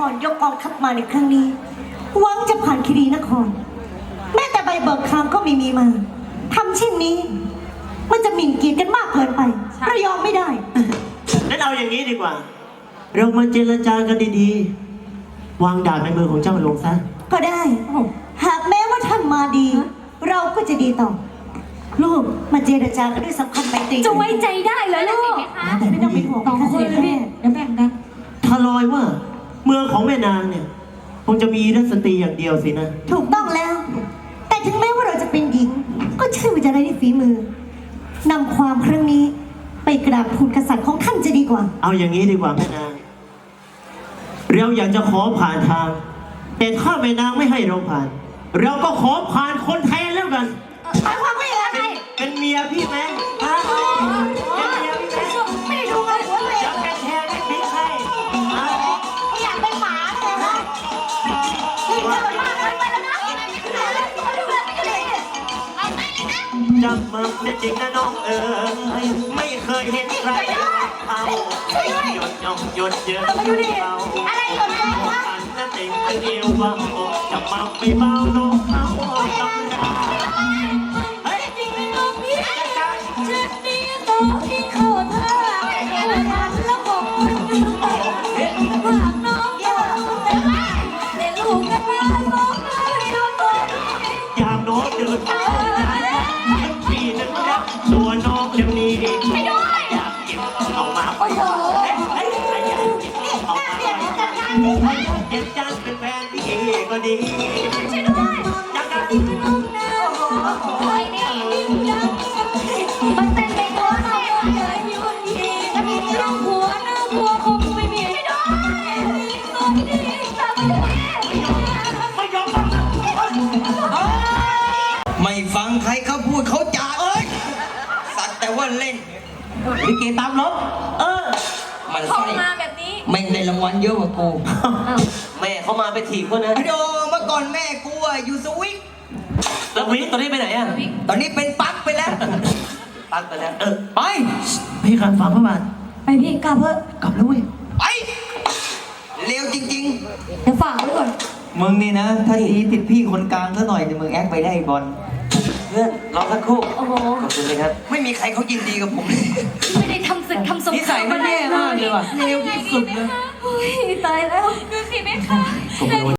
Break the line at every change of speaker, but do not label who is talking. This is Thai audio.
รยกกองทัพมาในครั้งนี้หวังจะผ่านคีรีนครแม้แต่ใบเบิกทางก็ไม่มีมาทำเช่นนี้มันจะหมิ่นเกียรติกันมากเกินไปเรายอมไม่ได้
งั้นเอาอย่างนี้ดีกว่าเรามาเจรจากันดีๆวางดาบในมือของเจ้าลงซะ
ก็ได้หากแม้ว่าท่านมาดีเราก็จะดีต่อลูกมาเจรจากันด้วยสัมพันธ์ไมตรี
จะไว้ใจได้เหรอลูก
ไม่ต้องเป็นห่วง
2 คนเลยเดี๋ยวแบ่งกัน
ถ้าลอยว่าเมืองของแม่นางเนี่ยคงจะมีรัศตรีอย่างเดียวสินะ
ถูกต้องแล้วแต่ถึงแม้ว่าเราจะเป็นหญิงก็เชื่อว่าจะได้ฝีมือนำความครั้งนี้ไปกราบทูลกษัตริย์ของท่านจะดีกว่า
เอาอย่างนี้ดีกว่าแม่นางเราอยากจะขอผ่านทางแต่ถ้าแม่นางไม่ให้เราผ่านเราก็ขอผ่านคนแทนแล้วกัน
หมายความว่าอย่างไร
เป็นเมียพี่ไหมฮะเป็นเมียพี่ไหม
ไม่ได้ดูกันหัวเลย
อยากเป็นแทนไม่ใช่
อยากเป็นหมาเลยนะนี่จะเป็นมากเกินไปแล้วนะ
จำมาเป็นจริงนะน้องไม่เคยเห็นใครเขาหยดย่องหยดเยอะเขา
อะไรหยดเยอะวะ
อันนั้นเองเดียวว่าจะมาไม่เบาน้องเขาต้องรัก
เฮ้ยจริงไหมน้องพี่เช่นนี้ต่อที่เขาท่าแล้วบอกหากน้องโดนแต่ลูกกันมาน้องเลยโดนตัว
อยากน้องเดินไปปีนึงนะตัวน้องเดี๋ยวนี้อยากเก็บเอามา
โอ้โห
เก็บจานเป็นแฟนพี่ก็ดี
ช่วยด้วยจักรน้องนะโอ้ยนี่มันเต้นไปตัวน้องเลยยุ่นทีน้องหัวนะหัวคงไม่มีให้ด้วยตอนนี้ทำ
ไม่ยอม
ไม่ฟังใครเขาพูดเขาจ่าสัตว์แต่ว่าเล่น
ลิเกตามลบ
มัน
เข้า
ใส่
มาแบบนี้
แม่งได้รางวัลเยอะกว่ากู
แม่เขามาไปถีบเขานะ
โดเมื่อก่อนแม่กูอยู่สวิต
แล้ววิตอนนี้ไปไหนอ่ะ
ตอนนี้เป็นปั๊กไปแล้ว
ปักไปแล้ว
ไป
พี่ขันฟังเข้ามา
ไปพี่กลับเถอะ
กลับแล้วเว้ย
ไปเร็วจริง
เดี๋ยวฝากไว้ก่อน
มึงนี่นะถ้าทีติดพี่คนกลางซะหน่อยจะมึงแอคไปได้บอล
เพื่อนรอสักครู่
โอ้โห
ขอบคุณเลยครับ
ไม่มีใครเขายินดีกับผม
ไม่ได้ทำศึกทำสงคราม
นิสัยมันแย่มากเลยว่ะ
เร็วที่สุดเลยตายแล้วดูสิแม่ค่ะ